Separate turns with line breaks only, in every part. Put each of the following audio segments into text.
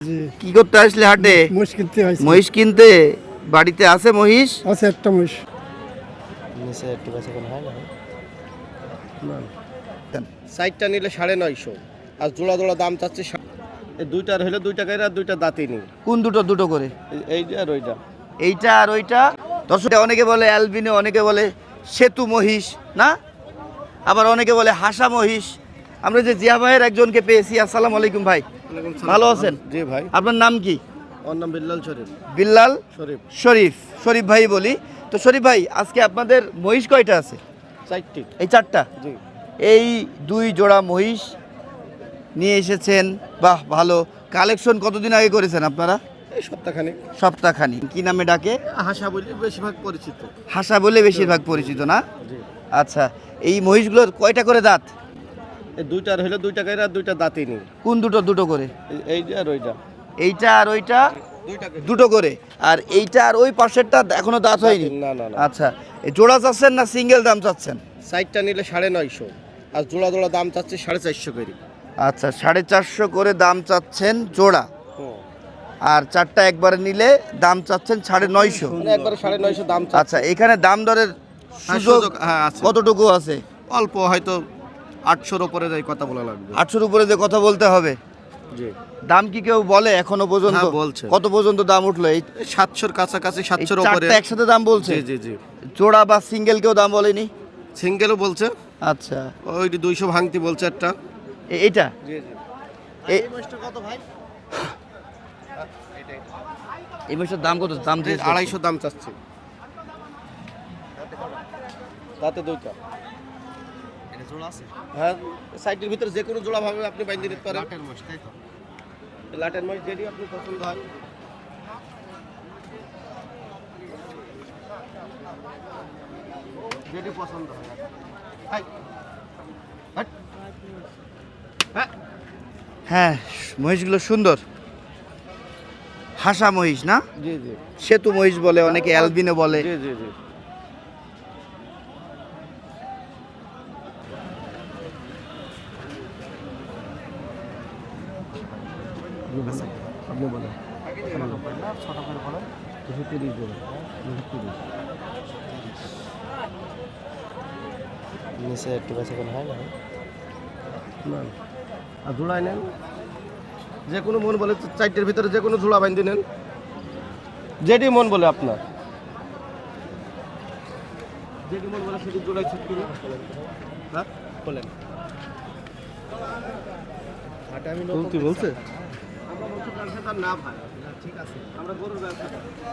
কি করতে আসলে হাটে?
মহিষ কিনতে হয়েছে।
মহিষ কিনতে? বাড়িতে আছে মহিষ?
আছে একটা মহিষ।
নিচে একটু বেশি কোনো হয় না।
সাইডটা নিলে 950 আর জোড়া জোড়া দাম চাচ্ছে এই দুইটার হলে 2 টাকায় আর দুইটা দাঁতই নেই।
কোন দুটো? দুটো করে?
এইটা আর ওইটা।
এইটা আর ওইটা। দর্শক, অনেকে বলে অ্যালবিনো, অনেকে বলে সেতু মহিষ না, আবার অনেকে বলে হাসা মহিষ। আমরা যে জিয়া ভাইয়ের একজনকে পেয়েছি। আসসালামু আলাইকুম ভাই, ভালো আছেন?
জি ভাই।
আপনার নাম কি?
ওর নাম বিল্লাল শরীফ।
বিল্লাল
শরীফ।
শরীফ, শরীফ ভাই বলি তো। শরীফ ভাই, আজকে আপনাদের মহিষ কয়টা আছে?
4টি।
এই 4টা?
জি।
এই 2 জোড়া মহিষ নিয়ে এসেছেন। বাহ, ভালো কালেকশন। কতদিন আগে করেছেন আপনারা?
এই সপ্তাহখানেক।
সপ্তাহখানি। কি নামে ডাকে?
হাসা বলি বেশিরভাগ পরিচিত।
হাসা বলে বেশিরভাগ পরিচিত না?
জি।
আচ্ছা, এই মহিষগুলোর কয়টা করে দাঁত?
এই দুইটার হলে 2 টাকায় আর দুইটা দাঁতই নেই।
কোন দুটো? দুটো করে?
এইটা আর ওইটা।
এইটা আর ওইটা
2 টাকা।
দুটো করে। আর এইটা আর ওই পাশেরটা এখনো দাঁত হয়নি?
না না না।
আচ্ছা, এই জোড়া চাচ্ছেন না সিঙ্গেল দাম চাচ্ছেন?
সাইডটা নিলে 950 আর জোড়া জোড়া দাম চাচ্ছে 450 করে।
আচ্ছা, 450 করে দাম চাচ্ছেন জোড়া, আর 4টা একবারে নিলে দাম চাচ্ছেন 950।
মানে একবারে 950 দাম চাচ্ছে।
আচ্ছা, এখানে দাম দরের সুযোগ
হ্যাঁ আছে।
কতটুকু আছে?
অল্প, হয়তো 800-র উপরে যাই কথা বলা লাগবে।
800-র উপরে যে কথা বলতে হবে।
জি।
দাম কি কেউ বলে এখনো পর্যন্ত?
হ্যাঁ, বলছে।
কত পর্যন্ত দাম উঠলো? এই
700-র কাছাকাছি, 700-র উপরে।
4টা একসাথে দাম বলছে?
জি জি জি।
জোড়া বা সিঙ্গেল কেউ দাম বলেনি?
সিঙ্গেলও বলছে।
আচ্ছা,
ওই 200 ভাঙতি বলছে একটা।
এইটা
জি জি।
এই
কত ভাই?
এই মাসের দাম কত? দাম দিয়ে
250 দাম চাচ্ছে। তাতে দুইটা।
এটা জোড়া আছে।
হ্যাঁ, সাইডের ভিতরে যে কোনো জোড়া ভাবে আপনি বাইন্ধে নিতে পারেন।
লাটের মহিষ, তাই তো?
লাটের মাছ যেটি আপনি পছন্দ হয়। যেটি পছন্দ হয়। হাই। হাট। হ্যাঁ।
হ্যাঁ, মহিষগুলো সুন্দর। হাসা মহিষ না?
জি জি
সেতু মহিষ বলে অনেকে, অ্যালবিনো বলে।
জি জি জি। আপনি বলেন।
ছোট করে বলেন।
230 দেবেন। 230।
নিচে একটু বেশি কোনো হয় না।
না। আর জোড়ায় নেন, যে কোনো মন বলে 4টের ভিতরে যে কোনো জোড়া বাইন্ধে নেন, যেটি মন বলে আপনার। যেটি মন বলে সেটি জোড়ায় ছুট করুন। হ্যাঁ বলেন। কি বলছে? আমরা বলছি ব্যবসাটা না ভাই। ঠিক আছে, আমরা গরুর ব্যবসা।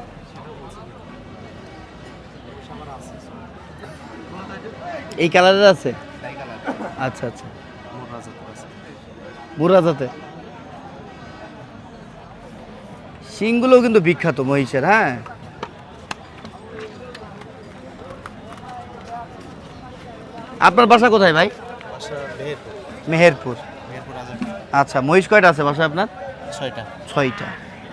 এই কালারের আছে? আচ্ছা আচ্ছা, বুড়া জাতে। শিংগুলো কিন্তু বিখ্যাত মহিষের। হ্যাঁ, আপনার বাসা কোথায় ভাই? মেহেরপুর। আচ্ছা, মহিষ কয়টা আছে বাসায় আপনার?
6টা।
6টা।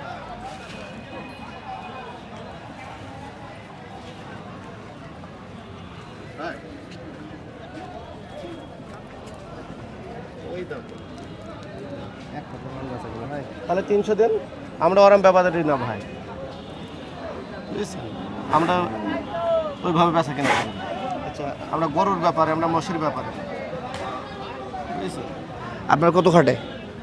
তাহলে 300 দেন, আমরা ওরম ব্যাপারটা না ভাই। বুঝেছেন? আমরা ওইভাবে বেচা কেনা করি না। আচ্ছা, আমরা গরুর ব্যাপারে, আমরা মশির ব্যাপারে। বুঝেছেন?
আপনার কত খাটে?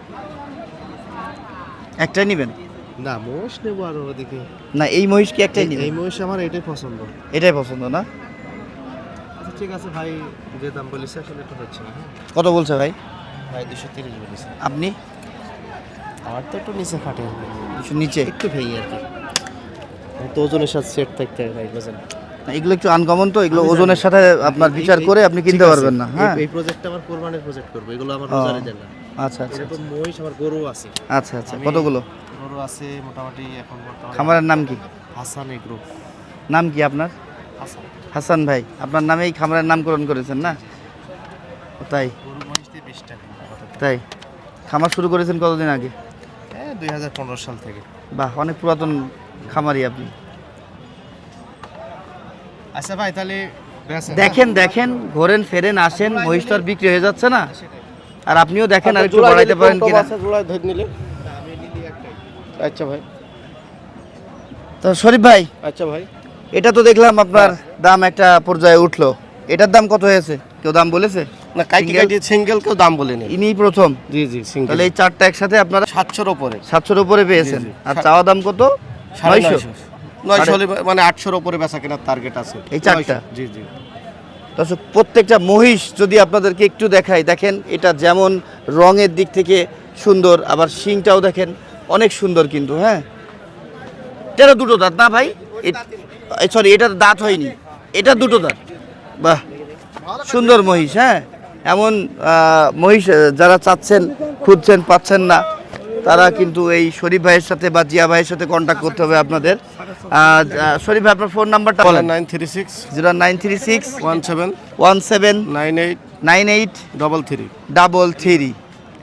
একটাই নেবেন?
না, মহিষ নেবো আর ওদিকে।
না, এই মহিষ কি একটাই নেবেন?
এই মহিষ আমার এটাই পছন্দ।
এটাই পছন্দ না?
আচ্ছা ঠিক আছে ভাই, যে দাম বলিস আসলে একটু হচ্ছে না।
কত বলছে ভাই?
ভাই 230 বলিস।
আপনি?
আমার তো একটু নিচে ফাটে,
কিছু নিচে
একটু ভেঙে আর কি। তো ওজনের সাথে সেট থাকতে হবে ভাই, বুঝলেন?
না, এগুলো একটু আনকমন, তো এগুলো ওজনের সাথে আপনার বিচার করে আপনি কিনতে পারবেন না। হ্যাঁ,
এই প্রজেক্টটা আমার কোরবানির প্রজেক্ট করব, এগুলো আমার রোজারে দেন না।
আচ্ছা আচ্ছা
এরকম মহিষ আমার গরু আছে।
আচ্ছা আচ্ছা, কতগুলো
গরু আছে মোটামুটি এখন বর্তমানে।
খামারের নাম কি?
হাসান এগ্রো।
নাম কি আপনার?
হাসান।
হাসান ভাই, আপনার নামেই খামারের নামকরণ করেছেন না? তাই?
গরু মহিষ দিয়ে 20 টাকা।
তাই? খামার শুরু করেছেন কতদিন আগে?
2015 সাল থেকে।
বাহ, অনেক পুরাতন খামারি আপনি।
আচ্ছা ভাই, তাহলে
দেখেন দেখেন, ঘোরেন ফেরেন আসেন, মহিষ তো আর বিক্রি হয়ে যাচ্ছে না। আর আপনিও দেখেন আর একটু
জোড়া
বাড়াইতে
যদি
পারেন
কম
কিনা।
আছে, জোড়ায় ধরে নিলে।
আমি নিলি একটাই।
আচ্ছা ভাই,
তো শরীফ ভাই,
আচ্ছা ভাই।
এটা তো দেখলাম আপনার দাম একটা পর্যায়ে উঠলো, এটার দাম কত হয়েছে, কেউ দাম বলেছে?
না কাইটি
Single?
কাইটি সিঙ্গেল কেউ দাম বলেনি।
ইনি প্রথম?
জি জি সিঙ্গেল।
তাহলে এই চারটা একসাথে আপনারা
700-র উপরে।
700-র উপরে পেয়েছেন।
জি, জি।
আর চাওয়া দাম কত? 900।
900 হলে মানে 800-র উপরে বেচা কেনার টার্গেট আছে।
এই চারটা?
900, জি জি।
দর্শক, প্রত্যেকটা মহিষ যদি আপনাদেরকে একটু দেখাই, দেখেন এটা যেমন রঙের দিক থেকে সুন্দর, আবার শিংটাও দেখেন অনেক সুন্দর কিন্তু। হ্যাঁ, এটা দুটো দাঁত না ভাই? সরি, এটার দাঁত হয়নি, এটা দুটো দাঁত। বাহ, সুন্দর মহিষ। হ্যাঁ, এমন মহিষ যারা চাচ্ছেন, খুঁজছেন, পাচ্ছেন না, তারা কিন্তু এই শরীফ ভাইয়ের সাথে বা জিয়া ভাইয়ের সাথে কন্ট্যাক্ট করতে হবে আপনাদের। শরীফ ভাই, আপনার ফোন নাম্বারটা বলেন।
0936
0936
17
17
98
98
33।
33।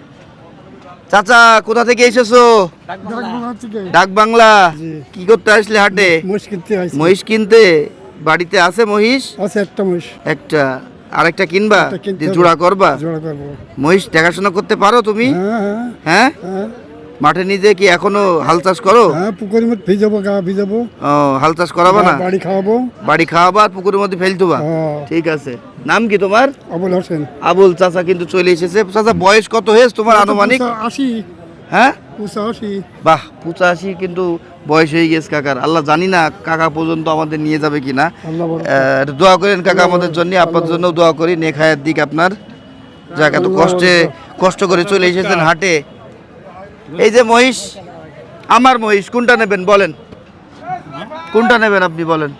চাচা, কোথা থেকে এসেছো? ডাক বাংলা। কি করতে আসলে হাটে? মহিষ কিনতে। বাড়িতে আছে মহিষ? একটা। আরেকটা কিনবা? দিয়ে জোড়া করবা? মহিষ দেখাশোনা করতে পারো তুমি? হ্যাঁ, মাঠে নিজে কি এখনো হাল চাষ করো?
পুকুরের মধ্যে ভিজাবো, গা ভিজাবো,
ও, হাল চাষ করাবা না?
বাড়ি খাওয়াবো,
বাড়ি খাওয়াবা আর পুকুরের মধ্যে ফেলতুবা? ঠিক আছে। নাম কি তোমার?
আবুল হোসেন।
আবুল চাচা কিন্তু চলে এসেছে। চাচা, বয়স কত হয়েছে তোমার আনুমানিক?
80।
হ্যাঁ,
85।
বাহ, 85 কিন্তু বয়স হয়ে গেছে কাকার। আল্লাহ জানি না কাকা পর্যন্ত আমাদের নিয়ে যাবে কিনা।
আল্লাহ বড়।
একটু দোয়া করেন কাকা আমাদের জন্য, আপনার জন্য দোয়া করি। নেখায়ের দিক আপনার, যাক এত কষ্ট করে চলে এসেছেন হাটে। এই যে মহিষ, আমার মহিষ, কোনটা নেবেন বলেন? কোনটা নেবেন আপনি বলেন?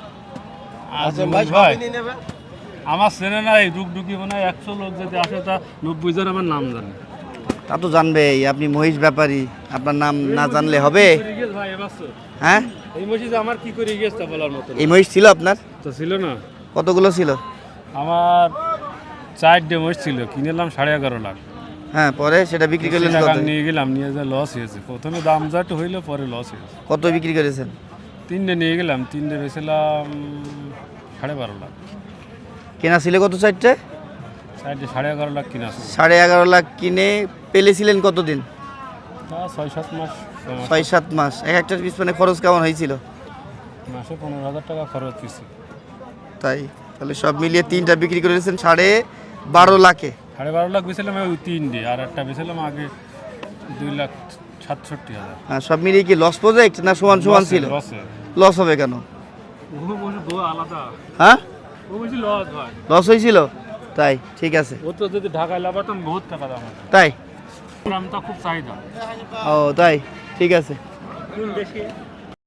ভাই, আমার চেনে নাই, ডুকডুকি মানে 100 লোক যদি আসে তা 90 জন আমার নাম জানে।
তা তো জানবেই, আপনি মহিষ ব্যাপারী, আপনার নাম না জানলে হবে?
ভাই এবার
হ্যাঁ,
এই মসজিদে আমার কি করে গেছে তা বলার মতো
এই মহিষ ছিল আপনার?
তো ছিল না।
কতগুলো ছিল?
আমার 4টে মহিষ ছিল, কিনেলাম 11.5 লাখ।
হ্যাঁ, পরে সেটা বিক্রি করলেন
টাকা
কত?
নিয়ে গেলাম, নিয়ে যা লস হয়েছে। প্রথমে দাম যাট হইলো, পরে লস হয়েছে।
কত বিক্রি করেছেন?
3টে নিয়ে গেলাম, 3টে বেছিলাম 12.5 লাখ।
কেনা ছিল কত? 4টে?
4টে 11.5 লাখ কিনা ছিল।
11.5 লাখ কিনে পেলেছিলেন কতদিন?
তা 6-7 মাস।
6-7 মাস। এক একটার পিছনে খরচ কেমন হয়েছিল?
মাসে 15,000 টাকা খরচ হয়েছে।
তাই? তাহলে সব মিলিয়ে 3টা বিক্রি করেছেন 12.5 লাখে।
12.5 লাখ বেছিলাম ওই 3টে, আর একটা বেছিলাম আগে 2,67,000।
হ্যাঁ, সব মিলিয়ে কি লস প্রজেক্ট না সমান সমান ছিল? লস হবে কেন?
আলাদা।
হ্যাঁ,
ও বেশি লস হয়।
লস হয়েছিল? তাই, ঠিক আছে।
ও তো যদি ঢাকায় লাগাতাম বহুত টাকা দাম আছে।
তাই?
দামটা খুব চাহিদা।
ও তাই, ঠিক আছে।
কোন দেশে?